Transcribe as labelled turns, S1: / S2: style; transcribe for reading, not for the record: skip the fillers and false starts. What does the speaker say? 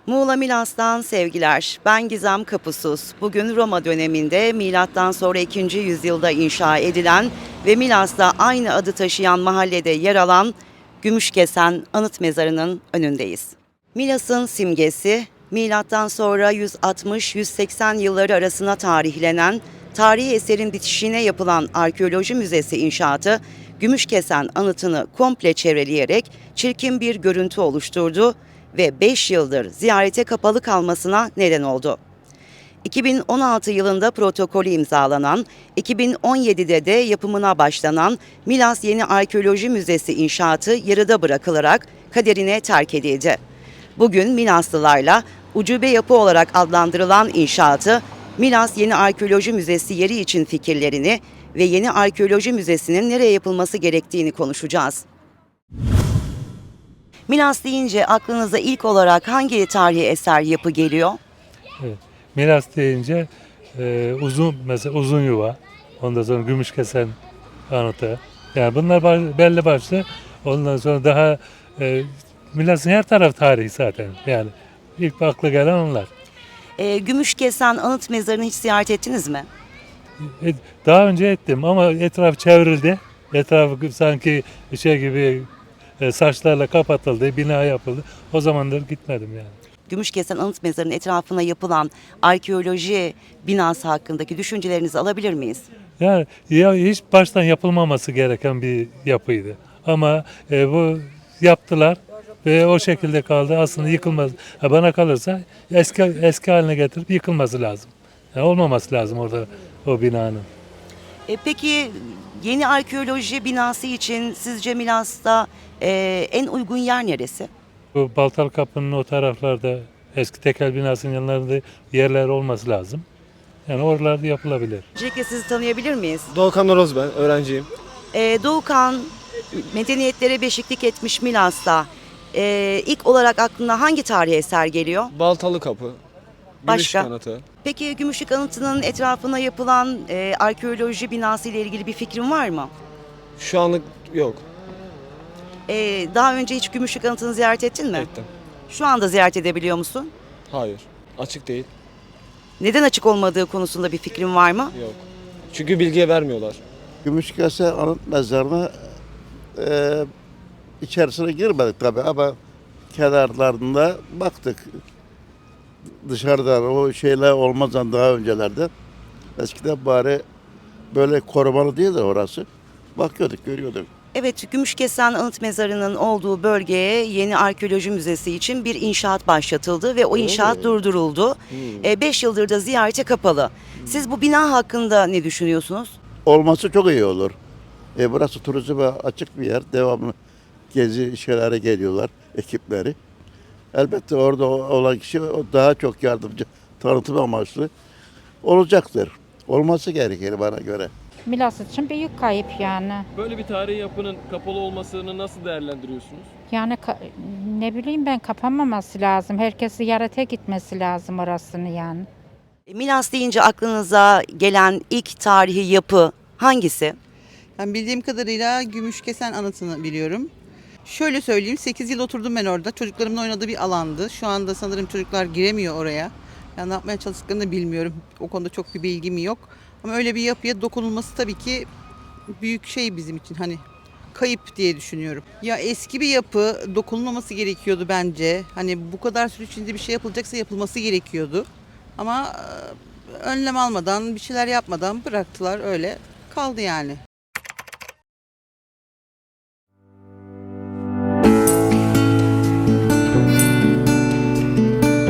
S1: Muğla Milas'tan sevgiler. Ben Gizem Kapusuz. Bugün Roma döneminde milattan sonra 2. yüzyılda inşa edilen ve Milas'ta aynı adı taşıyan mahallede yer alan Gümüşkesen Anıt Mezarı'nın önündeyiz. Milas'ın simgesi, milattan sonra 160-180 yılları arasına tarihlenen tarihi eserin bitişine yapılan arkeoloji müzesi inşaatı, Gümüşkesen anıtını komple çevreleyerek çirkin bir görüntü oluşturdu ve 5 yıldır ziyarete kapalı kalmasına neden oldu. 2016 yılında protokolü imzalanan, 2017'de de yapımına başlanan Milas Yeni Arkeoloji Müzesi inşaatı yarıda bırakılarak kaderine terk edildi. Bugün Milaslılarla ucube yapı olarak adlandırılan inşaatı, Milas Yeni Arkeoloji Müzesi yeri için fikirlerini ve Yeni Arkeoloji Müzesi'nin nereye yapılması gerektiğini konuşacağız. Milas deyince aklınıza ilk olarak hangi tarihi eser yapı geliyor?
S2: Evet. Milas deyince mesela uzun yuva, ondan sonra Gümüşkesen anıtı. Yani bunlar belli başlı. Ondan sonra daha Milas'ın her tarafı tarihi zaten. Yani ilk akla gelen onlar.
S1: Gümüşkesen Anıt Mezarı'nı hiç ziyaret ettiniz mi?
S2: Daha önce ettim ama etraf çevrildi. Etrafı sanki şey gibi saçlarla kapatıldı, bina yapıldı. O zamandır gitmedim yani.
S1: Gümüşkesen Anıt Mezarı'nın etrafına yapılan arkeoloji binası hakkındaki düşüncelerinizi alabilir miyiz?
S2: Yani ya hiç baştan yapılmaması gereken bir yapıydı. Ama bu yaptılar ve o şekilde kaldı. Aslında yıkılmaz. Bana kalırsa eski haline getirip yıkılması lazım. Yani olmaması lazım orada o binanın.
S1: Peki yeni arkeoloji binası için sizce Milas'ta en uygun yer neresi?
S2: Bu Baltalı Kapı'nın o taraflarda eski tekel binasının yanlarında yerler olması lazım. Yani oralarda yapılabilir.
S1: Öncelikle sizi tanıyabilir miyiz?
S3: Doğukan Oroz ben, öğrenciyim.
S1: Doğukan, medeniyetlere beşiklik etmiş Milas'ta ilk olarak aklına hangi tarihi eser geliyor?
S3: Baltalı Kapı,
S1: Başka?
S3: Gümüş Anıtı.
S1: Peki Gümüşlük Anıtı'nın etrafına yapılan arkeoloji binası ile ilgili bir fikrin var mı?
S3: Şu anlık yok.
S1: Daha önce hiç Gümüşlük Anıtı'nı ziyaret ettin mi?
S3: Ettim.
S1: Şu anda ziyaret edebiliyor musun?
S3: Hayır, açık değil.
S1: Neden açık olmadığı konusunda bir fikrin var mı?
S3: Yok. Çünkü bilgiye vermiyorlar.
S4: Gümüşkesen Anıt Mezarı'na içerisine girmedik tabii ama kenarlarında baktık. Dışarıdan o şeyler olmazdan daha öncelerde eskiden bari böyle korumalı değil de orası. Bakıyorduk, görüyorduk.
S1: Evet, Gümüşkesen Anıt Mezarı'nın olduğu bölgeye yeni arkeoloji müzesi için bir inşaat başlatıldı ve o inşaat durduruldu. 5 yıldır da ziyarete kapalı. Siz bu bina hakkında ne düşünüyorsunuz?
S4: Olması çok iyi olur. Burası turizme açık bir yer. Devamlı gezi şeylere geliyorlar, ekipleri. Elbette orada olan kişi daha çok yardımcı, tanıtım amaçlı olacaktır. Olması gerekir bana göre.
S5: Milas için büyük kayıp yani.
S6: Böyle bir tarihi yapının kapalı olmasını nasıl değerlendiriyorsunuz?
S5: Yani ne bileyim ben kapanmaması lazım. Herkes ziyarete gitmesi lazım orasını yani.
S1: Milas deyince aklınıza gelen ilk tarihi yapı hangisi?
S7: Ben bildiğim kadarıyla Gümüşkesen Anıtı'nı biliyorum. Şöyle söyleyeyim, 8 yıl oturdum ben orada. Çocuklarımın oynadığı bir alandı. Şu anda sanırım çocuklar giremiyor oraya. Yani ne yapmaya çalıştıklarını da bilmiyorum. O konuda çok bir bilgim yok. Ama öyle bir yapıya dokunulması tabii ki büyük şey bizim için, hani kayıp diye düşünüyorum. Ya eski bir yapı, dokunulmaması gerekiyordu bence. Hani bu kadar süre içinde bir şey yapılacaksa yapılması gerekiyordu. Ama önlem almadan, bir şeyler yapmadan bıraktılar, öyle kaldı yani.